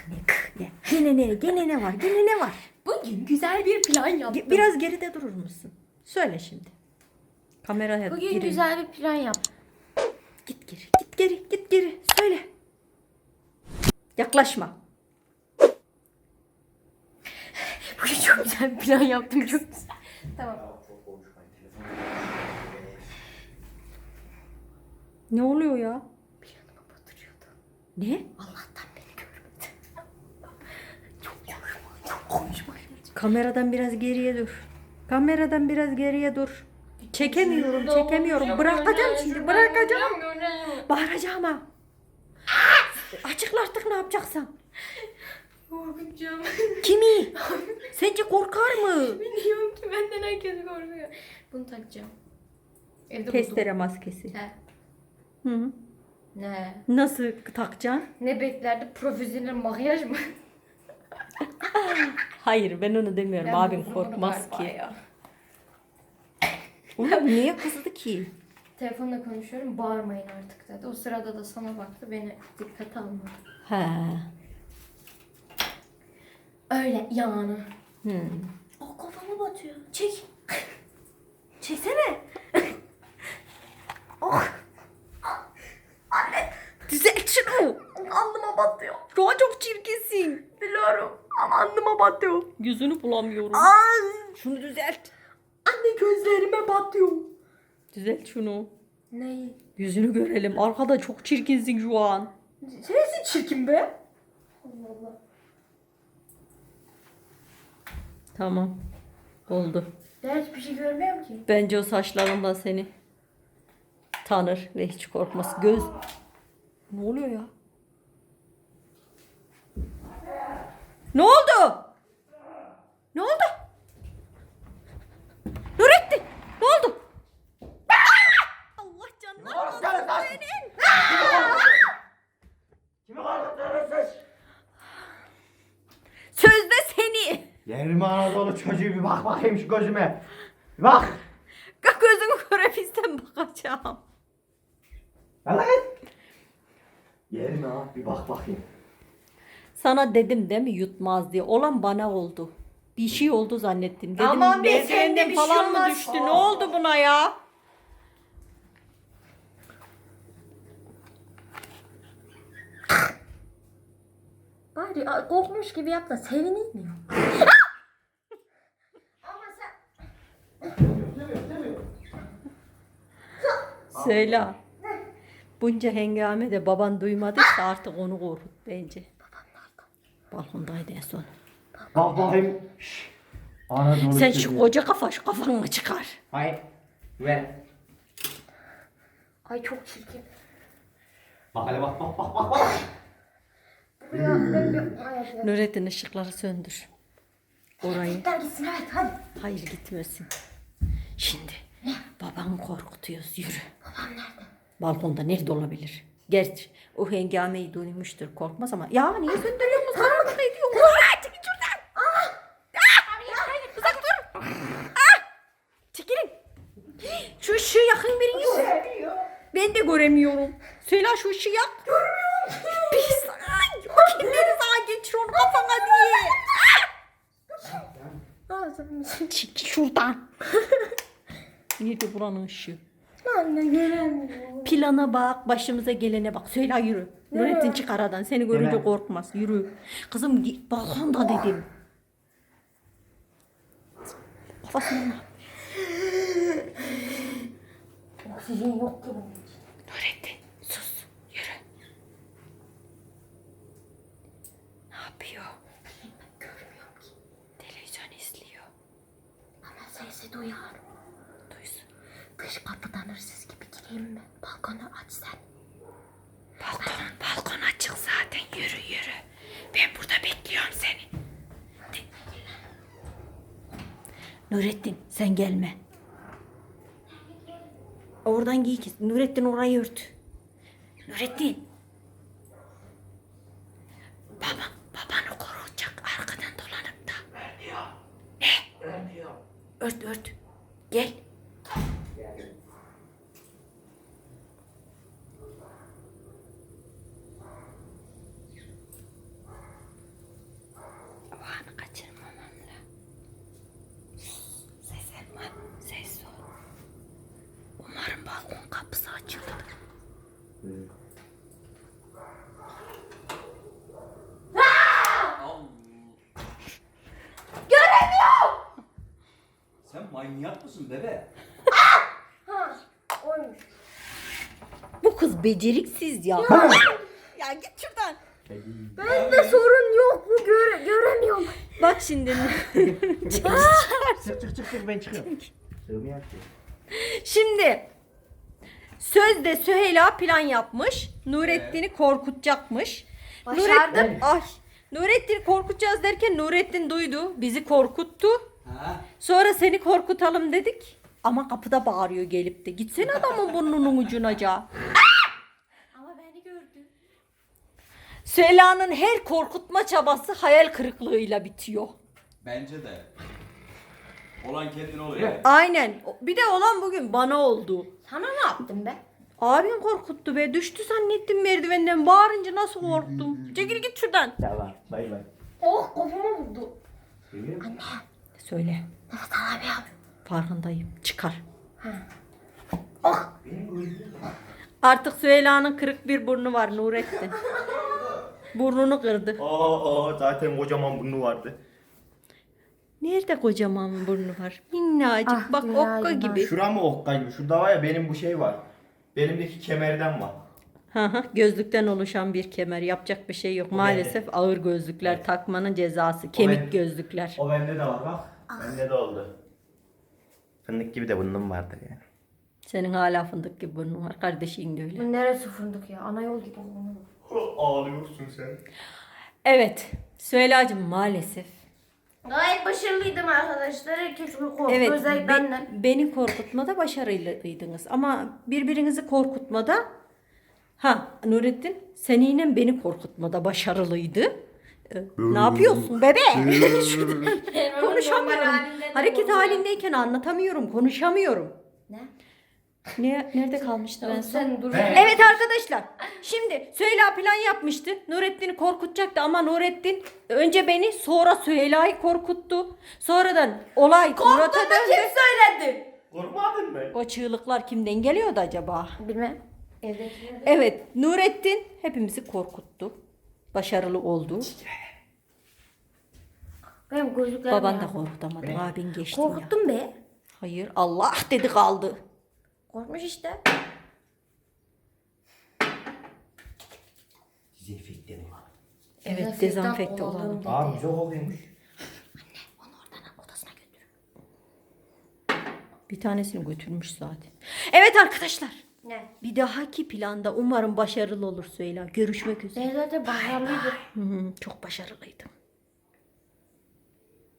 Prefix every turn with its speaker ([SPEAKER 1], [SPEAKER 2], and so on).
[SPEAKER 1] Ne? Gene ne var? Gene ne var?
[SPEAKER 2] Bugün güzel bir plan yaptım.
[SPEAKER 1] Biraz geride durur musun? Söyle şimdi. Kameraya
[SPEAKER 2] Bugün
[SPEAKER 1] girin.
[SPEAKER 2] güzel bir plan yaptım.
[SPEAKER 1] Git geri. Söyle. Yaklaşma.
[SPEAKER 2] Bugün çok güzel bir plan yaptım. Çok güzel. Tamam.
[SPEAKER 1] Ne oluyor ya?
[SPEAKER 2] Planımı batırıyordu.
[SPEAKER 1] Ne?
[SPEAKER 2] Allah'tan beni görmedi. Çok konuşma.
[SPEAKER 1] Kameradan biraz geriye dur. Kameradan biraz geriye dur. Çekemiyorum. Bırakacağım şimdi. Bırakacağım. Bağıracağım ha. Açıkla artık ne yapacaksan.
[SPEAKER 2] Korkacağım.
[SPEAKER 1] Kimi? Sence korkar mı?
[SPEAKER 2] Biliyorum ki benden herkes korkuyor. Bunu takacağım. Evde
[SPEAKER 1] Testere maskesi.
[SPEAKER 2] buldum. He.
[SPEAKER 1] Hı.
[SPEAKER 2] Ne?
[SPEAKER 1] Nasıl takacaksın?
[SPEAKER 2] Ne beklerdi? Profesyonel makyaj mı?
[SPEAKER 1] Hayır ben onu demiyorum.
[SPEAKER 2] Ben
[SPEAKER 1] Abim
[SPEAKER 2] buldum
[SPEAKER 1] korkmaz
[SPEAKER 2] bunu galiba
[SPEAKER 1] ki.
[SPEAKER 2] ya.
[SPEAKER 1] Oğlum niye kızdı ki?
[SPEAKER 2] Telefonla konuşuyorum. Bağırmayın artık dedi. O sırada da sana baktı. Beni dikkate almadı.
[SPEAKER 1] He.
[SPEAKER 2] Öyle yani.
[SPEAKER 1] Oh,
[SPEAKER 2] Kafama batıyor. Çek. Çeksene.
[SPEAKER 1] Oh. Anne. Düzelt şunu.
[SPEAKER 2] Alnıma batıyor.
[SPEAKER 1] Şu an çok çirkinsin.
[SPEAKER 2] Biliyorum. Ama alnıma batıyor.
[SPEAKER 1] Yüzünü bulamıyorum.
[SPEAKER 2] Ay.
[SPEAKER 1] Şunu düzelt.
[SPEAKER 2] Anne gözlerime batıyor.
[SPEAKER 1] Düzelt şunu.
[SPEAKER 2] Neyi?
[SPEAKER 1] Yüzünü görelim. Arkada çok çirkinsin şu an.
[SPEAKER 2] Sensin çirkin be. Allah Allah.
[SPEAKER 1] Tamam. Oldu.
[SPEAKER 2] Ben hiçbir şey görmüyorum ki.
[SPEAKER 1] Bence o saçlarından seni tanır ve hiç korkmaz. Göz... Ne oluyor ya? Ne oldu? Ne oldu? Nurettin! Ne oldu? Allah canına alsın senin.
[SPEAKER 3] Kimi korkutuyorsunuz?
[SPEAKER 1] Sözde seni.
[SPEAKER 3] Yerime Anadolu çocuğu bir bak bakayım şu gözüme. Bir bak.
[SPEAKER 1] Gözünü görebilsem bakacağım.
[SPEAKER 3] Lan lan. Yerime ha bir bak bakayım.
[SPEAKER 1] Sana dedim değil mi yutmaz diye. Olan bana oldu. Bir şey oldu zannettim. Dedim
[SPEAKER 2] Aman be,
[SPEAKER 1] merdivenden
[SPEAKER 2] sende bir şey
[SPEAKER 1] falan mı
[SPEAKER 2] olmaz.
[SPEAKER 1] düştü? Ne oldu buna ya?
[SPEAKER 2] Bari korkmuş gibi yap da sevineyim ya. Ama sen...
[SPEAKER 1] Söyle. Bunca hengamede baban duymadıysa artık onu korkut bence. Balkondaydı en son.
[SPEAKER 3] Bak bakayım. Şşş. Anadolu
[SPEAKER 1] Sen
[SPEAKER 3] çocuğu.
[SPEAKER 1] şu koca şu kafanı çıkar.
[SPEAKER 3] Hayır. Ver.
[SPEAKER 2] Ay çok çirkin.
[SPEAKER 3] Bak hele bak.
[SPEAKER 2] Buraya ben bir... Ay,
[SPEAKER 1] Nurettin ışıkları söndür. Orayı.
[SPEAKER 2] Gitler gitsin evet hadi.
[SPEAKER 1] Hayır gitmesin. Şimdi babanı korkutuyoruz yürü.
[SPEAKER 2] Babam nerede?
[SPEAKER 1] Balkonda nerede olabilir? Gerçi o hengameyi duymuştur korkmaz ama. Ya niye söndürüyorsun? Karanlık ediyor. Çekil şuradan. Uzak dur. Çekilin. Şu ışığı yakın biriniz. Ben de göremiyorum. Söyle şu ışığı yak. Görmüyorum. Pis. Makineleri sağa geçir onu kafana diye.
[SPEAKER 2] Ağzım.
[SPEAKER 1] Çekil şuradan. Nerede buranın ışığı?
[SPEAKER 2] Anne göremiyorum.
[SPEAKER 1] Plana bak, başımıza gelene bak. Söyle yürü. Nurettin çık aradan. Seni görünce
[SPEAKER 3] Hemen.
[SPEAKER 1] korkmaz. Yürü. Kızım balkonda dedim. Kafasına.
[SPEAKER 2] Oksijen yok ki bunun için.
[SPEAKER 1] Nurettin sus. Yürü. Ne yapıyor?
[SPEAKER 2] Görmüyorum ki.
[SPEAKER 1] Televizyon izliyor.
[SPEAKER 2] Ama sesi duyar.
[SPEAKER 1] Duysun.
[SPEAKER 2] Dış kapıdan hırsız gibi gireyim mi? Balkonu aç sen.
[SPEAKER 1] Balkon açık zaten. Yürü. Ben burada bekliyorum seni. Nurettin sen gelme. Oradan giy ki. Nurettin orayı ört. Nurettin. Babanı koruyacak arkadan dolanıp da. Ne? Ört. Gel.
[SPEAKER 4] Manyak mısın bebe?
[SPEAKER 2] Ha, oymuş.
[SPEAKER 1] Bu kız beceriksiz ya. Ya git şuradan.
[SPEAKER 2] Bende sorun yok mu göremiyorum.
[SPEAKER 1] Bak şimdi.
[SPEAKER 3] Çık ben çıkıyorum. Sığmıyor ki.
[SPEAKER 1] Şimdi sözde Süheyla plan yapmış. Nurettin'i korkutacakmış.
[SPEAKER 2] Başardım.
[SPEAKER 1] Nurettin'i korkutacağız derken Nurettin duydu. Bizi korkuttu.
[SPEAKER 4] Ha?
[SPEAKER 1] Sonra seni korkutalım dedik. Ama kapıda bağırıyor gelip de. Gitsene adamın burnunun ucunaca.
[SPEAKER 2] Ama beni gördü.
[SPEAKER 1] Süheyla'nın her korkutma çabası hayal kırıklığıyla bitiyor.
[SPEAKER 4] Bence de. Olan kendin oluyor.
[SPEAKER 1] Aynen. Bir de olan bugün bana oldu.
[SPEAKER 2] Sana ne yaptım be?
[SPEAKER 1] Abim korkuttu be. Düştü zannettim merdivenden. Bağırınca nasıl korktum. Çekil git şuradan.
[SPEAKER 3] Tamam. Bay bay.
[SPEAKER 2] Oh kafama vurdu.
[SPEAKER 1] Söyle.
[SPEAKER 2] Sana abi abi.
[SPEAKER 1] Farkındayım. Çıkar.
[SPEAKER 2] Oh.
[SPEAKER 1] Artık Süheyla'nın kırık bir burnu var Nurettin. Burnunu kırdı.
[SPEAKER 3] Zaten kocaman burnu vardı.
[SPEAKER 1] Nerede kocaman burnu var? Minnacık.
[SPEAKER 2] Ah,
[SPEAKER 1] Bak
[SPEAKER 2] dünya
[SPEAKER 1] okka
[SPEAKER 2] yılan.
[SPEAKER 1] gibi.
[SPEAKER 3] Şura mı okka gibi? Şurada var ya benim bu şey var. Benimdeki kemerden var.
[SPEAKER 1] Hı hı, gözlükten oluşan bir kemer. Yapacak bir şey yok. Maalesef ağır gözlükler takmanın cezası. Kemik
[SPEAKER 3] ben-
[SPEAKER 1] gözlükler.
[SPEAKER 3] O bende de var bak. Bende de oldu. Fındık gibi de burnum vardı yani.
[SPEAKER 1] Senin hala fındık gibi burnun var. Kardeşin de öyle.
[SPEAKER 2] Bu neresi fındık ya? Ana yol gibi oldu.
[SPEAKER 3] Ağlıyorsun sen.
[SPEAKER 1] Evet. Süheyla'cığım maalesef.
[SPEAKER 2] Gayet başarılıydım arkadaşlar. Herkes korktu.
[SPEAKER 1] Evet.
[SPEAKER 2] Özellikle benden.
[SPEAKER 1] Beni korkutmada başarılıydınız. Ama birbirinizi korkutmada Nurettin seninle beni korkutmada başarılıydı. Ne yapıyorsun bebe? Şuradan konuşamıyorum. Hareket halindeyken anlatamıyorum, konuşamıyorum.
[SPEAKER 2] Ne?
[SPEAKER 1] Nerede kalmıştı ben son?
[SPEAKER 2] Sen dur.
[SPEAKER 1] Evet arkadaşlar. Şimdi Süheyla plan yapmıştı. Nurettin'i korkutacaktı ama Nurettin önce beni sonra Süheyla'yı korkuttu. Sonradan olay Murat'a döndü.
[SPEAKER 2] söyledi?
[SPEAKER 3] Korkmadın mı?
[SPEAKER 1] O çığlıklar kimden geliyordu acaba?
[SPEAKER 2] Bilmem. Evdekiler de.
[SPEAKER 1] Evet, Nurettin hepimizi korkuttu. Başarılı oldu.
[SPEAKER 2] Benim gözlüklerim
[SPEAKER 1] Baban
[SPEAKER 2] ya.
[SPEAKER 1] da korkutamadı. Abin geçti ya.
[SPEAKER 2] Korkuttum be.
[SPEAKER 1] Hayır, Allah dedi kaldı.
[SPEAKER 2] Korkmuş işte.
[SPEAKER 3] Dezenfekte mi var?
[SPEAKER 1] Evet, dezenfekte olalım.
[SPEAKER 3] Abi güzel kokuyormuş.
[SPEAKER 1] Onu oradan odasına götür. Bir tanesini götürmüş zaten. Evet arkadaşlar.
[SPEAKER 2] Ne?
[SPEAKER 1] Bir dahaki planda umarım başarılı olur Süheyla. Görüşmek üzere.
[SPEAKER 2] Ben zaten başarılıydım.
[SPEAKER 1] Çok başarılıydım.